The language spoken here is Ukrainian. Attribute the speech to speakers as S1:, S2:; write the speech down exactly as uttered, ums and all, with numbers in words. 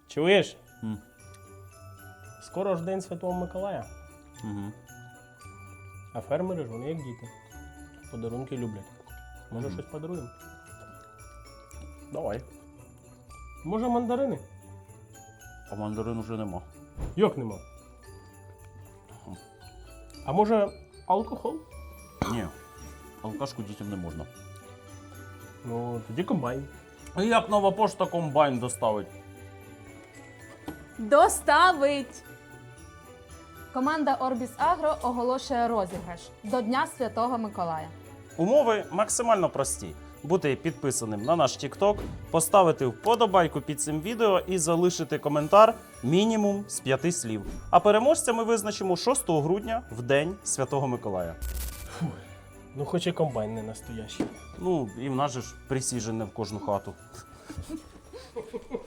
S1: Чуєш?
S2: М.
S1: Скоро ж День Святого Миколая.
S2: Угу.
S1: А фермери ж вони як діти. Подарунки люблять. Може
S2: Мгм.
S1: щось подаруємо?
S2: Давай.
S1: Може мандарини?
S2: А мандарин уже нема.
S1: Як нема? А може алкоголь?
S2: Ні. Алкашку дітям не можна.
S1: Ну, тоді комбайн.
S2: А як нова пошта комбайн доставить?
S3: Доставить! Команда Orbis Agro оголошує розіграш до Дня Святого Миколая.
S2: Умови максимально прості. Бути підписаним на наш TikTok, поставити вподобайку під цим відео і залишити коментар мінімум з п'яти слів. А переможця ми визначимо шостого грудня в День Святого Миколая.
S1: Ну, хоч і комбайн не настоящий.
S2: Ну, і в нас же ж присіжене в кожну хату.